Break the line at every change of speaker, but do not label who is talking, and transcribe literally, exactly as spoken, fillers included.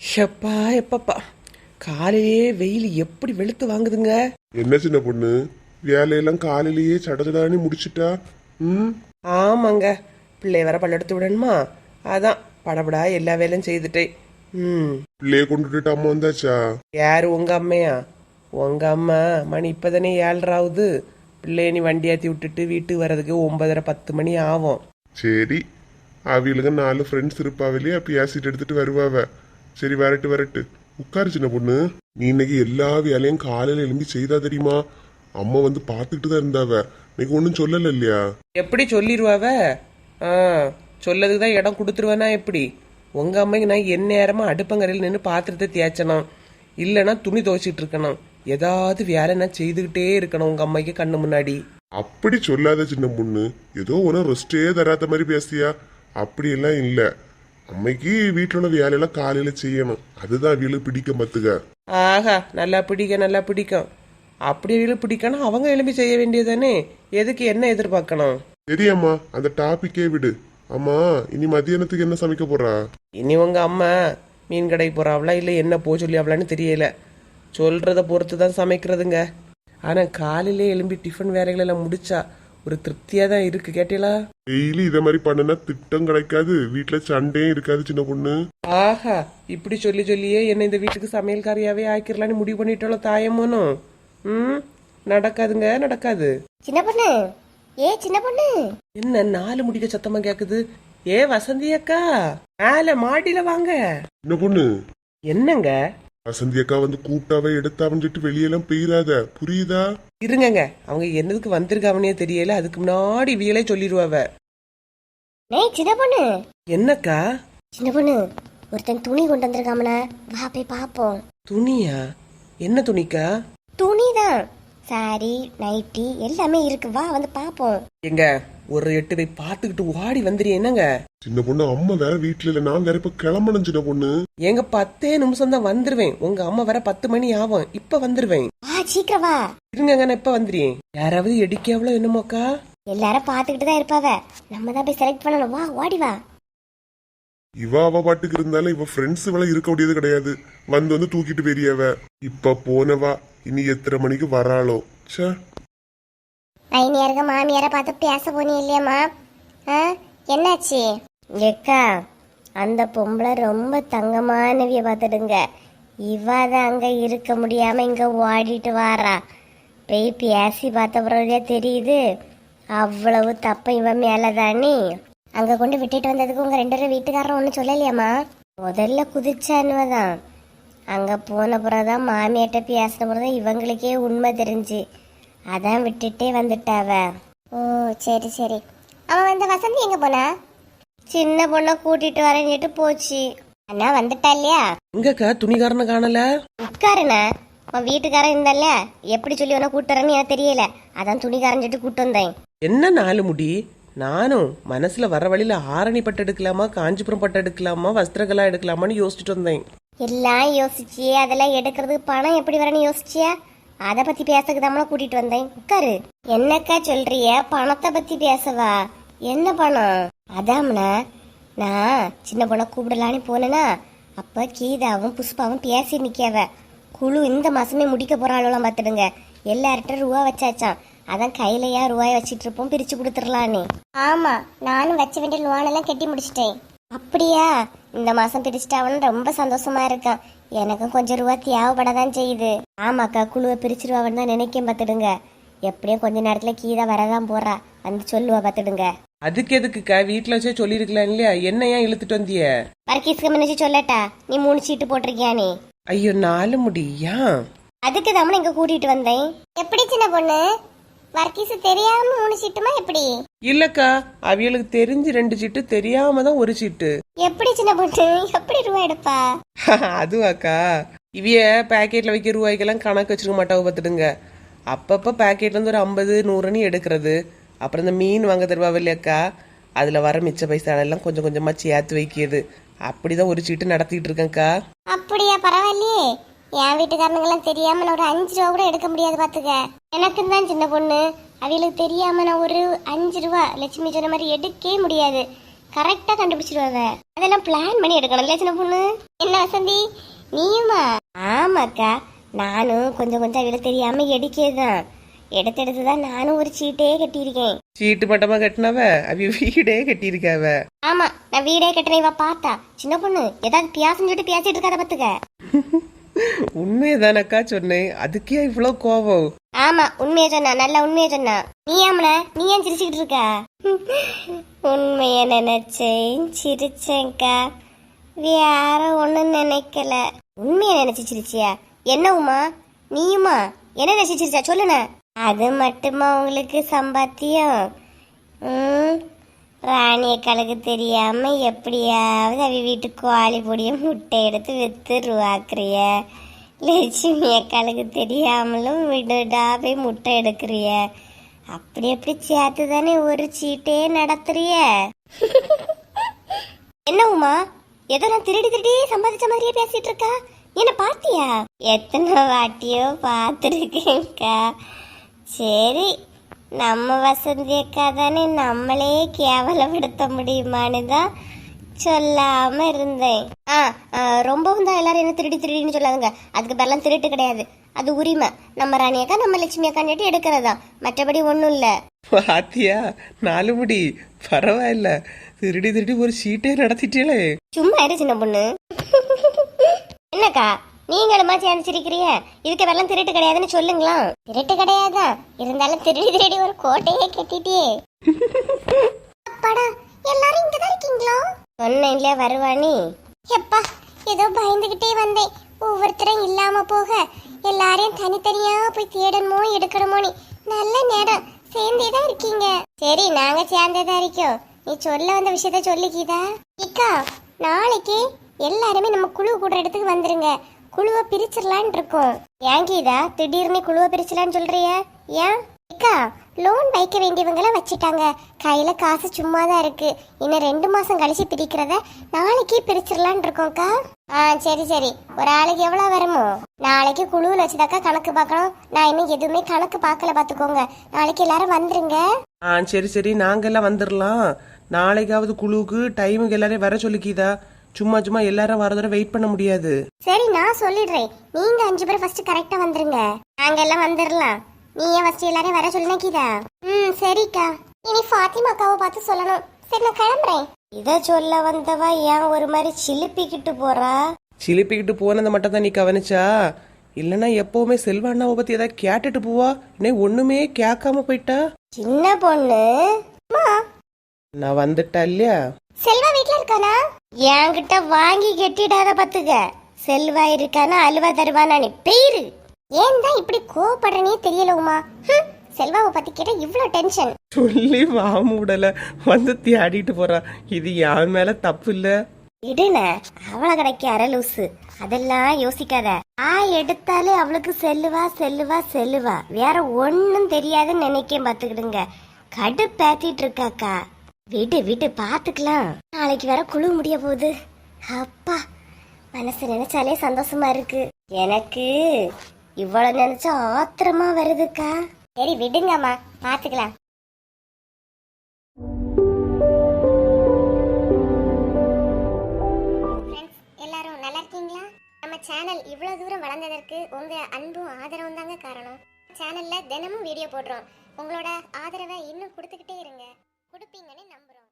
ஷப்பா எப்பப்பா காலையிலே வெயில் எப்படி வெளுத்து வாங்குதுங்க.
என்ன சின்ன பொண்ணு, வேலையெல்லாம் காலையிலேயே சடச்சடானி முடிச்சிட்டா? ம்
ஆமாங்க, பிள்ளை வர பல்லெடுத்து விடணுமா, அதான் படபடா எல்லா வேலையும் செய்துட்டேன். ம்
பிள்ளைய கொண்டுட்டு அம்மா வந்தாச்சா?
யாரு உங்க அம்மையா? உங்க அம்மா மணி இப்பதானே ஏழ்றாவுது. பிள்ளைய நீ வண்டி ஏற்றி விட்டுட்டு வீட்டுக்கு வர்றதுக்கு ஒன்பதரை பத்து மணி ஆகும்.
சரி, அவிகளுக்கு நாலு ஃப்ரெண்ட்ஸ் இருப்பாவிலே, பேசிட்டு எடுத்துட்டு வருவாவ. சரி, வரட்டு வரட்டு, உட்காரு சின்ன பொண்ணு. நீ இன்னைக்கு எல்லா வேலையும் காலையில எழும்பி செய்தா தெரியுமா? அம்மா வந்து பார்த்துக்கிட்டு தான் இருந்தாவ. இன்னைக்கு ஒன்றும் சொல்லல இல்லையா?
எப்படி சொல்லிடுவாவ? ஆ சொல்லதுக்கு தான் இடம் கொடுத்துருவேனா எப்படி? உங்க அம்மைக்கு நான் என் நேரமா அடுப்பங்கரையில் நின்று பாத்திரத்தை தேய்ச்சணும், இல்லைன்னா துணி துவைச்சிட்டு இருக்கணும். ஏதாவது வேலை நான் செய்துக்கிட்டே இருக்கணும் உங்க அம்மைக்கு கண்ணு முன்னாடி.
அப்படி சொல்லாத சின்ன பொண்ணு, ஏதோ ஒன்றும் ரெஸ்டே தராத மாதிரி பேசியா? அப்படியெல்லாம் இல்ல. அம்மைக்கு வீட்டில் உள்ள வேலையெல்லாம் காலையில செய்யணும், அதுதான் வீடு பிடிக்க மத்துக்க.
ஆஹா, நல்லா பிடிக்கும் நல்லா பிடிக்கும். அப்படி வீடு பிடிக்கணும், அவங்க எழுப்பி செய்ய வேண்டியதானே. எதுக்கு என்ன எதிர்பார்க்கணும்?
சரியாம்மா, அந்த டாபிக்கே விடு. அம்மா, இனி மத்தியானத்துக்கு என்ன சமைக்க போறா?
இனி உங்க அம்மா மீன் கடைக்கு போறாவளா இல்லை என்ன போ சொல்லி அவளான்னு தெரியல. சொல்றத பொறுத்து தான் சமைக்கிறதுங்க. ஆனா காலையிலே எழும்பி டிஃபன் வேலைகள் எல்லாம் முடிச்சா ஒரு திருப்தியா தான் இருக்கு. கேட்டீங்களா?
டெய்லி இத மாதிரி பண்ணுனா திட்டம் கிடைக்காது, வீட்டுல சண்டையும் இருக்காது சின்ன பொண்ணு.
ஆஹா, இப்படி சொல்லி சொல்லியே என்ன இந்த வீட்டுக்கு சமையல்காரியாவே ஆக்கிரலான்னு முடிவு பண்ணிட்டாலும் தாயமோனும். ம் நடக்காதுங்க, நடக்காது.
சின்ன பொண்ணு, ஏ சின்ன பொண்ணு,
என்ன நாலு முடிக்க சத்தமா கேக்குது? ஏ வசந்தி அக்கா, மேல மாடியில வாங்க.
சின்ன பொண்ணு,
என்னங்க?
வசந்தி அக்கா வந்து கூப்பிட்டாவே எடுத்தாவன்னு சொல்லிட்டு வெளியெல்லாம் பெய்யாத, புரியுதா?
இருங்கங்க, அவங்க என்னதுக்கு வந்திருக்காவனே தெரியல. அதுக்கு முன்னாடி வியலே சொல்லிடுவாவ.
நே சின்ன பொண்ணு.
என்னக்கா?
சின்ன பொண்ணு, ஒருத்தன் துணி கொண்டு வந்திருக்காமல, வா போய் பாப்போம்.
துணியா? என்ன துணிக்கா?
துணிதான், சாரி நைட்டி எல்லாமே இருக்கு, வா வந்து பாப்போம்.
எங்க ஒரு எட்டு போய் பாத்துக்கிட்டு ஓடி வந்துரு. என்னங்க
சின்ன பொண்ணு, அம்மா வேற வீட்டுல இல்ல, நான் வேற இப்ப கிளம்பணும் சின்ன பொண்ணு.
எங்க பத்தே நிமிஷம் தான் வந்துருவேன். உங்க அம்மா வர பத்து மணி ஆகும், இப்ப வந்துருவேன்.
வா சீக்கிரம் வா.
இருங்க, நான் இப்ப வந்துறேன். யாராவது எடுக்கவளோ என்னமோக்கா?
எல்லாரும் பாத்துக்கிட்டு தான் இருப்பாவ, நம்ம தான் போய் செலக்ட் பண்ணணும். வா ஓடி வா.
இவ அவ பாட்டுக்கு இருந்தாலும் இவ ஃப்ரெண்ட்ஸ் வேலை இருக்க முடியாது கிடையாது, வந்து வந்து தூக்கிட்டு பெரியவ. இப்ப போனவா இனி எத்தனை மணிக்கு வராளோ? சே,
மைனியாருங்க மாமியார பார்த்து பேச போனீ இல்லையாம்மா? ஆ என்னாச்சு? ஏக்கா, அந்த பொம்பளை ரொம்ப தங்கமானவிய பார்த்துடுங்க. இவ தான் அங்க இருக்க முடியாம இங்க ஓடிட்டு வாரா. போய் பேசி பார்த்த பிறகு தெரியுது அவ்வளவு தப்ப இவன் மேலதானே. அங்க கொண்டு விட்டுட்டு வந்ததுக்கு உங்க ரெண்டு பேரும் வீட்டுக்காரரும் ஒன்னும் சொல்லலையாம்மா? முதல்ல குதிச்சானுவதான், அங்க போன பிறகுதான் மாமியாட்ட பேசின பிறகுதான் இவங்களுக்கே உண்மை தெரிஞ்சு, அதான் விட்டுட்டே வந்துட்டாவ. ஓ சரி சரி. அவன் வந்து வசந்தி எங்க போனா? சின்ன பொண்ணை கூட்டிட்டு வரேன்னுட்டு போச்சு. அண்ணா வந்துட்டா இல்லையா?
எங்கக்கா துணிகாரனை காணல?
உட்காருண்ணா, உன் வீட்டுக்காரன் இருந்தால எப்படி சொல்லி உன கூட்டு வரேன்னு எனக்கு தெரியல, அதான் துணிக்காரன் சொல்லிட்டு கூட்டு வந்தேன்.
என்ன நாலு முடி? நானும் மனசுல வர வழியில ஆரணி பட்டு எடுக்கலாமா, காஞ்சிபுரம் பட்டு எடுக்கலாமா, வஸ்திரகலா எடுக்கலாமான்னு யோசிச்சுட்டு வந்தேன்.
எல்லாம் யோசிச்சியே, அதெல்லாம் எடுக்கிறதுக்கு பணம் எப்படி வரேன்னு யோசிச்சியா? அதை பத்தி பேசக்கு தான் கூட்டிட்டு வந்தேன். உட்காரு. என்னக்கா சொல்றிய? பணத்தை பத்தி பேசவா? என்ன பணம்? அதாம்னா, நான் சின்ன பொண்ணை கூப்பிடலான்னு போனேன்னா அப்ப கீதாவும் புஷ்பாவும் பேசி நிக்காவ. குழு இந்த மாசமே முடிக்க போறாளுலாம் பாத்துடுங்க. எல்லார்கிட்ட ரூபா வச்சாச்சான், அதான் கையிலயா ரூபாய வச்சிட்டு இருப்போம், பிரிச்சு கொடுத்துடலான்னு. ஆமா, நானும் வச்ச வேண்டிய லோன் எல்லாம் கட்டி முடிச்சிட்டேன். அப்படியா? இந்த மாசம் பிரிச்சுட்டாவன்னு ரொம்ப சந்தோஷமா இருக்கான். எனக்கும் கொஞ்சம் ரூபா தேவைப்படதான் செய்யுது. ஆமாக்கா, குழுவை பிரிச்சிருவான்னு தான் நினைக்கேன் பாத்துடுங்க. எப்படியும் கொஞ்ச நேரத்துல கீதா வரதான் போறா, வந்து சொல்லுவா பாத்துடுங்க.
அதுக்கு எதுக்குக்கா? வீட்டுல வச்சே சொல்லிருக்கலாம் இல்லையா? என்ன ஏன் இழுத்துட்டு வந்திய?
வர்க்கீஸ்க்கு முன்னாடி சொல்லட்டா, நீ மூணு சீட்டு போட்டிருக்கியானே.
ஐயோ நாலு முடியா?
அதுக்கு தான் இங்க கூட்டிட்டு வந்தேன். எப்படி சின்ன பொண்ணு, வர்க்கீஸ் தெரியாம மூணு சீட்டுமா எப்படி?
இல்லக்கா, அவியலுக்கு தெரிஞ்சு ரெண்டு சீட்டு, தெரியாம தான் ஒரு சீட்டு.
எப்படி சின்ன பொண்ணு, எப்படி ரூபா எடுப்பா?
அதுவாக்கா, இவிய பேக்கெட்ல வைக்க ரூபாய்க்கெல்லாம் கணக்கு வச்சிருக்க மாட்டாவ பாத்துடுங்க. அப்பப்ப பேக்கெட்ல இருந்து ஒரு ஐம்பது நூறுன்னு எடுக்கிறது. அப்புறம் இந்த மீன் வாங்க தருவாவ இல்லையாக்கா, அதுல வர மிச்ச பைசா எல்லாம் கொஞ்சம் கொஞ்சமா சேர்த்து வைக்கிறது. அப்படிதான் ஒரு சீட்டு நடத்திட்டு இருக்கேன்க்கா.
அப்படியா? பரவாயில்லையே. என் வீட்டுக்காரனுங்கெல்லாம் தெரியாம நான் ஒரு அஞ்சு ரூபா கூட எடுக்க முடியாது பாத்துக்க. எனக்கு தான் சின்ன பொண்ணு, அவங்களுக்கு தெரியாம நான் ஒரு அஞ்சு ரூபா லட்சுமி சொன்ன மாதிரி எடுக்கவே முடியாது. கரெக்டா கண்டுபிடிச்சிருவாவ. அதெல்லாம் பிளான் பண்ணி எடுக்கணும் இல்லையா சின்ன பொண்ணு? என்ன வசந்தி நீயுமா? ஆமாக்கா, நானும் கொஞ்சம் கொஞ்சம் அவளை தெரியாம எடுக்கதான் எடுத்து எடுத்துதான் நானும் ஒரு சீட்டே கட்டியிருக்கேன்.
சீட்டு மட்டமா கட்டினவ அவ வீடே கட்டியிருக்காவ.
ஆமா, நான் வீடே கட்டின இவ பார்த்தா சின்ன பொண்ணு ஏதாவது பியாசன்னு சொல்லிட்டு பேசிட்டு இருக்காத பாத்துக்க.
உண்மையதானக்கா சொன்னேன், அதுக்கே இவ்வளவு கோபம்?
ஆமா, உண்மையை சொன்னா, நல்ல உண்மையை சொன்னா. நீ ஆமல நீ ஏன் சிரிச்சுக்கிட்டு இருக்க? உண்மைய நினைச்சேன் சிரிச்சேன்க்கா, வேற ஒண்ணு நினைக்கல. உண்மைய நினைச்சு சிரிச்சியா? என்ன உமா நீயுமா என்ன நினைச்சு சிரிச்சா சொல்லுன? அது மட்டுமா உங்களுக்கு சம்பாத்தியம்? ம் ராணியக்காளுக்கு தெரியாம எப்படியாவது அவ வீட்டுக்கு கோழி பொடிய முட்டை எடுத்து வித்து ரூவாக்குறிய. லட்சுமி அக்காளுக்கு தெரியாமலும் விடுடாவே முட்டை எடுக்கிறிய. அப்படி எப்படி சேர்த்து தானே ஒரு சீட்டே நடத்துறிய. என்ன உமா ஏதோ நான் திருடி திருடி சம்பாதிச்ச மாதிரியே பேசிட்டு இருக்கா? என்ன பாத்தியா? எத்தனை வாட்டியோ பார்த்துருக்கேன்க்கா. சரி, நம்ம வசந்தி அக்கா தானே நம்மளே கேவலப்படுத்த முடியுமான்னு தான் சொல்லாம இருந்தேன். ஆ ரொம்பவும் தான் எல்லாரும் என்ன திருடி திருடின்னு சொல்லாதுங்க. அதுக்கு பேரெல்லாம் திருட்டு கிடையாது, அது உரிமை. நம்ம ராணி அக்கா நம்ம லட்சுமி அக்கான்னு எடுக்கிறதா, மற்றபடி ஒன்றும் இல்லை.
பாத்தியா நாலு முடி, பரவாயில்ல, திருடி திருடி ஒரு சீட்டே நடத்திட்டே.
சும்மா இரு சின்ன பொண்ணு. என்னக்கா நீங்களுமா சேர்ந்து சிரிக்கிறிய? இதுக்கு வெள்ளம் திருட்டு கிடையாதுன்னு சொல்லுங்களா? திருட்டு கிடையாதா இருந்தாலும் திருடி திருடி ஒரு கோட்டையே கட்டிட்டே. அப்பாடா, எல்லாரும் இங்கதான் இருக்கீங்களா? சொன்னேன் இல்லையா வருவானி. எப்பா ஏதோ பயந்துகிட்டே வந்தேன். ஒவ்வொருத்தரும் இல்லாம போக எல்லாரையும் தனித்தனியா போய் தேடணுமோ எடுக்கணுமோனி. நல்ல நேரம் சேர்ந்தேதான் இருக்கீங்க. சரி, நாங்க சேர்ந்தேதான் இருக்கோம். நீ சொல்ல வந்த விஷயத்த சொல்லிக்கிதா? இக்கா, நாளைக்கு எல்லாருமே நம்ம குழு கூடுற இடத்துக்கு வந்துருங்க. குழுவை பிரிச்சிடலான் இருக்கோம். ஏன் கீதா திடீர்னு குழுவை பிரிச்சலான்னு சொல்றிய? ஏன் அக்கா, லோன் வைக்க வேண்டியவங்கள வச்சுட்டாங்க, கையில காசு சும்மா தான் இருக்கு. இன்னும் ரெண்டு மாசம் கழிச்சு பிரிக்கிறத நாளைக்கே பிரிச்சிடலான் இருக்கோம்க்கா. ஆ சரி சரி, ஒரு ஆளுக்கு எவ்வளவு வருமோ? நாளைக்கு குழுவில் வச்சுதாக்கா கணக்கு பார்க்கணும். நான் இன்னும் எதுவுமே கணக்கு பார்க்கல, பாத்துக்கோங்க. நாளைக்கு எல்லாரும் வந்துருங்க.
ஆ சரி சரி, நாங்கெல்லாம் வந்துடலாம். நாளைக்காவது குழுவுக்கு டைமுக்கு எல்லாரையும் வர சொல்லிக்கிதா. சும்மா சும்மா எல்லாரும் வரதோட வெயிட் பண்ண முடியாது.
சரி, நான் சொல்லிடுறேன். நீங்க அஞ்சு பேர் ஃபர்ஸ்ட் கரெக்டா வந்துருங்க. நாங்க எல்லாம் வந்துடலாம். நீ ஏன் ஃபர்ஸ்ட் எல்லாரையும் வர சொல்லுனா கீதா? ம் சரிக்கா. இனி ஃபாத்திமா அக்காவை பார்த்து சொல்லணும். சரி, நான் கிளம்புறேன். இத சொல்ல வந்தவா ஏன் ஒரு மாதிரி சிலிப்பிக்கிட்டு போறா?
சிலிப்பிக்கிட்டு போனதை மட்டும் தான் நீ கவனிச்சா? இல்லைன்னா எப்பவுமே செல்வா அண்ணாவை பத்தி ஏதாவது கேட்டுட்டு போவா. இன்னும் ஒண்ணுமே கேட்காம போயிட்டா.
சின்ன பொண்ணு
நான் வந்துட்டா இல்லையா?
செல்வா வீட்ல இருக்கானா? என்கிட்ட வாங்கி கெட்டிடாத பாத்துக்க. செல்வா இருக்கானா அல்வா தருவானா? நீ பேரு ஏன் தான் இப்படி கோவப்படுறனே தெரியல உமா. செல்வாவை பத்தி கேட்டா இவ்வளவு டென்ஷன்.
சொல்லி வாமுடல வந்து தேடிட்டு போறா. இது யார் மேல தப்பு இல்ல.
இடுன அவளை கிடைக்க அரலூசு, அதெல்லாம் யோசிக்காத. ஆ எடுத்தாலே அவளுக்கு செல்லுவா செல்லுவா செல்லுவா, வேற ஒன்னும் தெரியாதுன்னு நினைக்க பாத்துக்கிடுங்க. கடுப்பேத்திட்டு இருக்காக்கா. விடு விடு பாத்துக்கலாம். நாளைக்கு வேற குழு முடிய போகுது. அப்பா, மனசு நினைச்சாலே சந்தோஷமா இருக்கு. எனக்கு இவ்வளவு நினைச்சா ஆத்திரமா வருதுக்கா. சரி விடுங்கம்மா, பாத்துக்கலாம். எல்லாரும் நல்லா இருக்கீங்களா? நம்ம சேனல் இவ்வளவு தூரம் வளர்ந்ததற்கு உங்க அன்பும் ஆதரவும் தாங்க காரணம். சேனல்ல தினமும் வீடியோ போடுறோம். உங்களோட ஆதரவை இன்னும் கொடுத்துக்கிட்டே இருங்க. கொடுப்பீங்கன்னு நம்புறோம்.